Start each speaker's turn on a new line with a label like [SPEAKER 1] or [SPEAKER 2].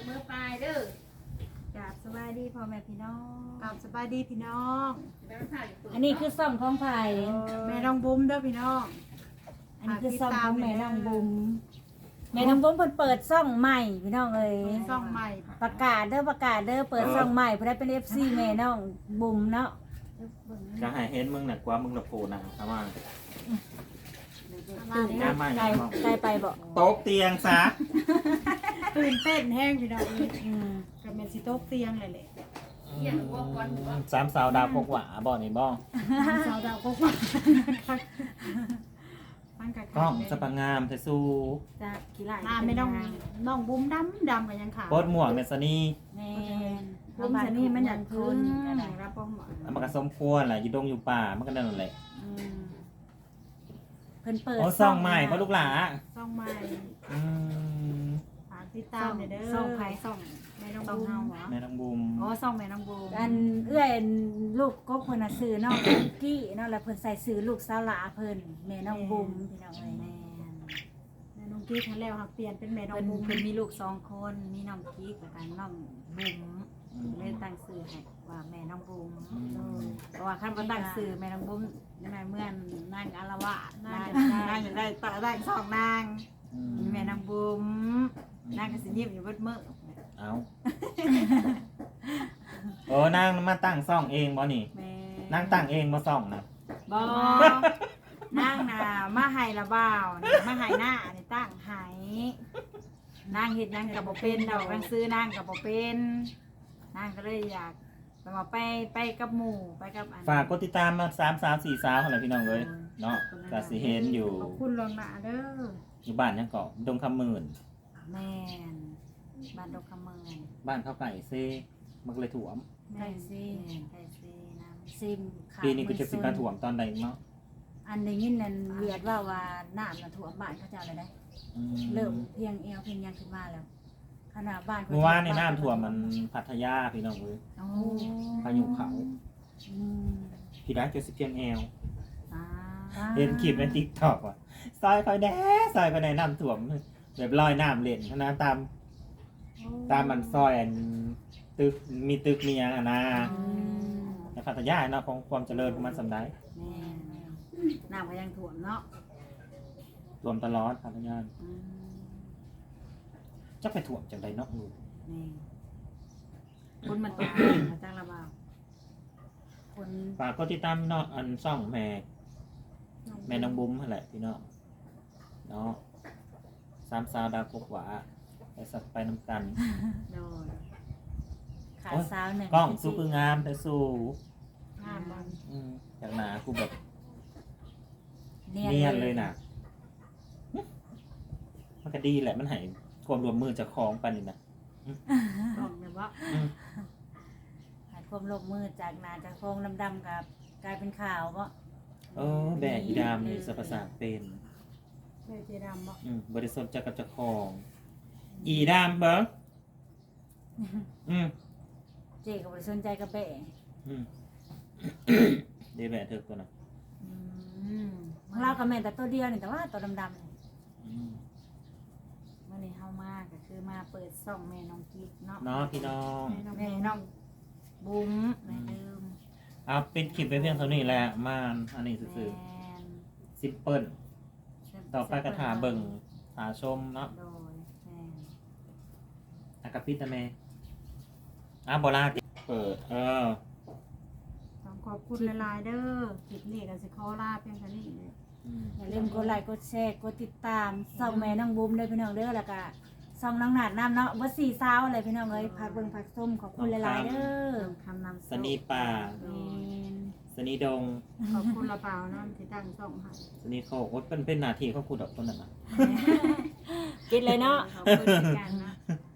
[SPEAKER 1] มือปลายเด้อก
[SPEAKER 2] ราบสบายดีพ่อแม่พี่น้อง
[SPEAKER 3] กับสบายดีพี่น้อง
[SPEAKER 2] อันนี้คือซ่องของไผ่
[SPEAKER 3] แม่น้องบุ้มเด้อพี่น้อง
[SPEAKER 2] อันนี้คือซ่องของแม่น้องบุ๋มแม่น้องบุ๋มเพิ่นเปิดซ่องใหม่พี่น้องเอ้ย
[SPEAKER 3] ซ่องใหม่
[SPEAKER 2] ประกาศเด้อเปิดซ่องใหม่เพื่อได้เป็น FC แม่น้องบุ๋มเนาะ
[SPEAKER 4] จะให้เห็นมึงหนักกว่ามึงละโผล่หนังทำไม
[SPEAKER 3] มา
[SPEAKER 4] หน้า
[SPEAKER 3] เนี่ย
[SPEAKER 4] ใหม่
[SPEAKER 2] ไกลไปบ่
[SPEAKER 4] โต๊ะเตียงซะ
[SPEAKER 3] ตื่นเต้นแห้งพี่น้องนี่
[SPEAKER 2] อืม
[SPEAKER 3] กับแม่สิโต๊ะเตียงเลยแหละ
[SPEAKER 4] สามสาวดาวพกหวาบ่อนี่บ่
[SPEAKER 3] สาวดาวก็ว่าตั้งกะ
[SPEAKER 4] กล้องสปังงามเทสู้
[SPEAKER 2] จะกี่หลาย
[SPEAKER 3] หน้าไม่ต้องน้องบุ้มดำกันยังขาว
[SPEAKER 4] โคตรหมวกเนสนี่
[SPEAKER 2] แม่น
[SPEAKER 3] บุ้มสนี่มันอยาก
[SPEAKER 2] คื
[SPEAKER 3] ขึ้
[SPEAKER 2] น
[SPEAKER 3] น
[SPEAKER 2] ก็ได้
[SPEAKER 3] รับป้องหมอ
[SPEAKER 4] มันก็สมควรแหละอยู่ดงอยู่ป่ามันก็นั่นแหละ
[SPEAKER 2] อืมเพิ่นเปิด
[SPEAKER 4] โอ้ซ่องใหม่เพราะลูกหลา
[SPEAKER 3] ซ่องใหม่
[SPEAKER 4] อืม
[SPEAKER 3] ฝากติดตามเด้อ
[SPEAKER 2] ซ่องไผ่ซ่อง
[SPEAKER 3] แม่น้อง
[SPEAKER 2] ซ่อง
[SPEAKER 3] บุ้ม
[SPEAKER 2] เฮาเหรอ
[SPEAKER 4] แม่น้องบุม
[SPEAKER 3] อ๋อซ่องแม่น้องบุ้ม
[SPEAKER 2] อันเอื้อยลูกก็เพิ่นน่ะซื้อน้องกี้เนาะแล้วเพิ่นใส่ซื้อลูกสาวหลาเพิ่นแม่น้องบุ๋มพี่น้องเอ้ยแม่น
[SPEAKER 3] แม่น้องกี้ทันแล้วค่ะเปลี่ยนเป็นแม่น้อง
[SPEAKER 2] เพิ่น
[SPEAKER 3] บุ้ม
[SPEAKER 2] เพิ่นมีลูก2 คนมีน้องกิ๊กแล้วก็น้องบุ๋มเลยตั้งชื่อให้ว่าแม่น้องบุ๋มเพราะว่าคันบ่ตั้งชื่อแม่น้องบุ๋มแม่เมื่อนนางอารวาสนางอยากได้ต่อได้สองนางแม่น้องบุ๋มนางก็สิยิ้มอยู่เบิดมื้อ
[SPEAKER 4] เอาโอ้นางมาตั้งซ่องเองบ่นี่
[SPEAKER 2] แม่
[SPEAKER 4] นางตั้งเองมาซ่องนะ
[SPEAKER 2] บ่นางน่ะมาให้ละบ่าวนี่มาให้หน้านี่ตั้งให้นางเฮ็ดหยังก็บ่เป็นดอกนางซื้อนางก็บ่เป็นนางก็เลยอยากมาไปกับหมู่ไปกับอัน
[SPEAKER 4] ฝากกดติดตามมา3 3 4 สาวอะไรพี่น้องเลยเนาะก็สิเห็นอยู่
[SPEAKER 3] ขอบคุณลวงหน้าเด้อ
[SPEAKER 4] อยู่บ้านยังเกาะดงคำหมื่น
[SPEAKER 2] แม่นบ้านดอกคำเมือง
[SPEAKER 4] บ้านเขาไก่เซ่มันก็เลยถ่วม
[SPEAKER 2] ไก่ซีไก่ซีน้ำซิมขา
[SPEAKER 4] ปีนี้กูจะสิการถ่วมตอนใดเนาะ
[SPEAKER 2] อันได้ยินนั่นเวียดว่าน้ำน่ะท่วมบ้านเขาเจ้าเลยได้
[SPEAKER 4] อืม
[SPEAKER 2] เริ่มเพียงเอวเพียงยังขึ้นมาแล้วขนาดบ้านข
[SPEAKER 4] เมื่อวานในน้ำท่วมมันพัทยาพี่น้องเลย
[SPEAKER 2] โอ้
[SPEAKER 4] พายุเขา
[SPEAKER 2] อืม
[SPEAKER 4] พี่รักจะสิเพียงแอล
[SPEAKER 2] อ่า
[SPEAKER 4] เห็นคลิปในติ๊กต็อกว่ะซอยคอยแด้ซอยคอยในน้ำท่วมแบบลอยน้ำเล่นนะตามมันซอยอันตึกมีตึกมีอย่างอะนะ
[SPEAKER 2] อืม
[SPEAKER 4] ในพัทยาเนาะของความเจริญของมันสำได้
[SPEAKER 2] แม่น้ำก็ยังท่วมเนาะ
[SPEAKER 4] ท่วมตลอดพัทยา
[SPEAKER 2] อืม
[SPEAKER 4] จะไปถ่วมจังใดเนาะลูก
[SPEAKER 2] นี่คนมันตกมาจ้างระบาวคน
[SPEAKER 4] ฝากก็ติดตามเนาะอันซ่องแม่น้องบุ้มนั่นแหละพี่น้องเนาะ3 สาวดาวกกหวาไปสักไปน้ำกัน
[SPEAKER 2] โดนขาสาวหนึ่ง
[SPEAKER 4] กล้องสู้คืองามแต่สู้
[SPEAKER 3] งามมัน
[SPEAKER 4] จากหนากูแบบ
[SPEAKER 2] เนี
[SPEAKER 4] เนีย
[SPEAKER 2] ย
[SPEAKER 4] น
[SPEAKER 2] น
[SPEAKER 4] เลยนะมันก็ดีแหละมันใหายความรวมมือจากคลองไปนี่นะ
[SPEAKER 3] บอกเลยว่า
[SPEAKER 4] อืม
[SPEAKER 2] หายความลบมือจากหนาจากโครงดำๆกับกลายเป็นขาวเพราะ
[SPEAKER 4] แบกอีดามนี่สรรพสาเป็น
[SPEAKER 3] แม่เจดำบอก
[SPEAKER 4] บริสุทธิ์จากกับจากคลอง อีดามเบิ้งอืม
[SPEAKER 2] เจ๊กับบริสนใจกับเบะ
[SPEAKER 4] อืมเดี๋ยวแบกเธอตัวน่ะ
[SPEAKER 2] ของเรากับแม่แต่ตัวเดียวนี่แต่ว่าตัวดำๆนี่
[SPEAKER 4] อืม
[SPEAKER 2] เมื่อนี้เข้ามากก็คือมาเปิดซ่องแม่น้องกิ๊กเนาะ
[SPEAKER 4] เนาะพี่น้อง
[SPEAKER 2] แม่น้องบุ้มแม่ลืม
[SPEAKER 4] เอาปิดคลิปไปเพียงเท่านี้แหละมาอันนี้
[SPEAKER 2] แม
[SPEAKER 4] ซื่อน ซิมเปิลต่อไปกระถาเบิ่งหาชมเนาะ
[SPEAKER 2] โดยแม่น
[SPEAKER 4] อากาปิดนะแม่บอลาเปิด
[SPEAKER 3] ต้องขอบคุณหลายๆเด้อคลิปนี้ก็สิขอลาเพียงเท่านี้เลย
[SPEAKER 2] อย่าลืมกดไลค์กดแชร์กดติดตามส่องแม่น้องบุ้มด้วยพี่น้องเด้อแล้วก็ส่องน้องหนาดน้ำเนาะว่า4 สาวอะไรพี่น้องเอ้ยพักเบิ่งพักส้มขอบคุณหลายๆเด้อ
[SPEAKER 3] คำนำ
[SPEAKER 4] สนีป่า
[SPEAKER 2] แม่น
[SPEAKER 4] สนีดง
[SPEAKER 3] ขอบคุณละเปล่าเนาะที่ตั้งส่งให้
[SPEAKER 4] สนีโคกเป็นหน้าที่เขาขุดออกคนนั้นนะ
[SPEAKER 2] กินเลยเนาะ
[SPEAKER 3] ขอบคุณเหมือนกันนะ